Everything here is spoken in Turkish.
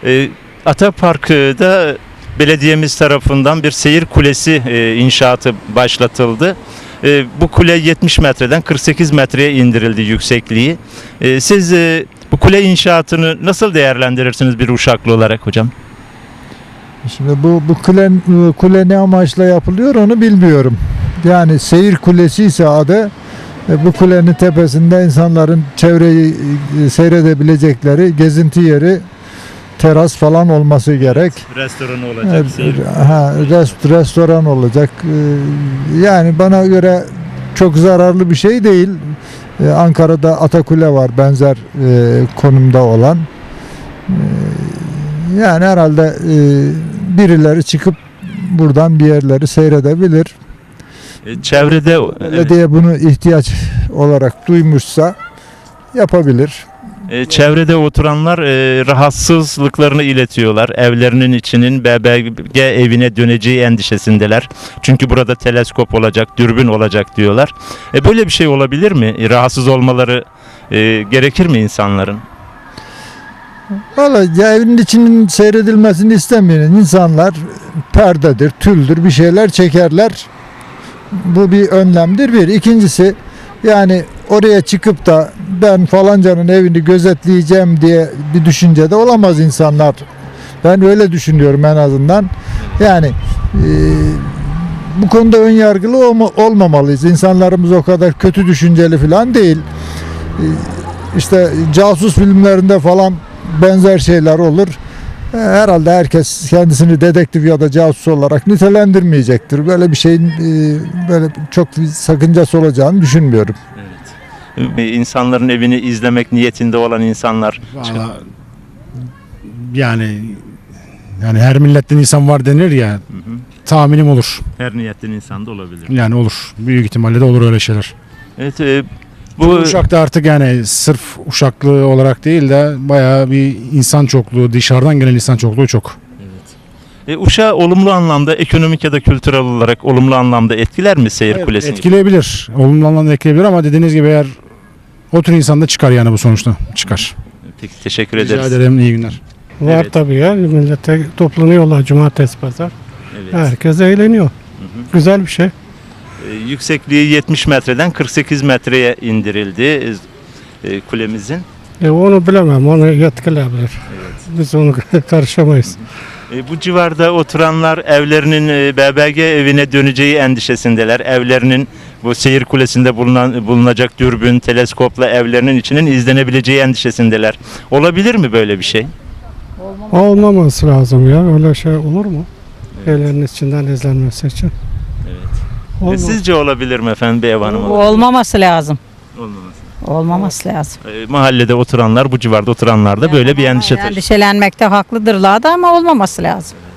Atapark'ta belediyemiz tarafından bir seyir kulesi inşaatı başlatıldı. Bu kule 70 metreden 48 metreye indirildi yüksekliği. Siz bu kule inşaatını nasıl değerlendirirsiniz bir Uşaklı olarak hocam? Şimdi bu kule ne amaçla yapılıyor onu bilmiyorum. Yani seyir kulesi ise adı, bu kulenin tepesinde insanların çevreyi seyredebilecekleri gezinti yeri, teras falan olması gerek. Restoran olacak. Restoran olacak. Yani bana göre çok zararlı bir şey değil. Ankara'da Atakule var benzer konumda olan. Yani herhalde birileri çıkıp buradan bir yerleri seyredebilir. Çevrede belediye bunu ihtiyaç olarak duymuşsa yapabilir. Çevrede oturanlar rahatsızlıklarını iletiyorlar. Evlerinin içinin BBG evine döneceği endişesindeler. Çünkü burada teleskop olacak, dürbün olacak diyorlar. Böyle bir şey olabilir mi? Rahatsız olmaları gerekir mi insanların? Vallahi evin içinin seyredilmesini istemeyen insanlar perdedir, tüldür bir şeyler çekerler. Bu bir önlemdir bir. İkincisi yani oraya çıkıp da ben falancanın evini gözetleyeceğim diye bir düşüncede olamaz insanlar. Ben öyle düşünüyorum en azından. Yani bu konuda ön yargılı olmamalıyız. İnsanlarımız o kadar kötü düşünceli falan değil. İşte casus filmlerinde falan benzer şeyler olur. Herhalde herkes kendisini dedektif ya da casus olarak nitelendirmeyecektir. Böyle bir şeyin böyle çok bir sakıncası olacağını düşünmüyorum. Evet. İnsanların evini izlemek niyetinde olan insanlar. Vallahi, yani her milletten insan var denir ya. Tahminim olur. Her niyetten insan da olabilir. Yani olur. Büyük ihtimalle de olur öyle şeyler. Evet. Bu Uşak'ta artık yani sırf Uşaklı olarak değil de bayağı bir insan çokluğu, dışarıdan gelen insan çokluğu çok. Evet. Uşak'ı olumlu anlamda, ekonomik ya da kültürel olarak olumlu anlamda etkiler mi seyir kulesini? Etkileyebilir. Olumlu anlamda etkileyebilir ama dediğiniz gibi eğer o tür insan da çıkar yani bu sonuçta. Çıkar. Peki teşekkür Rica ederiz. ederim. İyi günler. Var Evet. tabii ya. Millete toplanıyorlar cumartesi pazar. Evet. Herkes eğleniyor. Güzel bir şey. Yüksekliği 70 metreden 48 metreye indirildi kulemizin. Onu bilemem. Onu yetkililer. Biz onu karışamayız. Bu civarda oturanlar evlerinin BBG evine döneceği endişesindeler. Evlerinin bu seyir kulesinde bulunacak dürbün, teleskopla evlerinin içinin izlenebileceği endişesindeler. Olabilir mi böyle bir şey? Olmaması lazım ya. Öyle şey olur mu? Evlerin içinden izlenmesi için. Evet. Sizce olabilir mi efendim bir ev hanımı? Olmaması lazım. Olmaması. Olmaması lazım. Mahallede oturanlar, bu civarda oturanlar da böyle bir endişe taşıyor. Endişelenmekte haklıdırlar da ama olmaması lazım.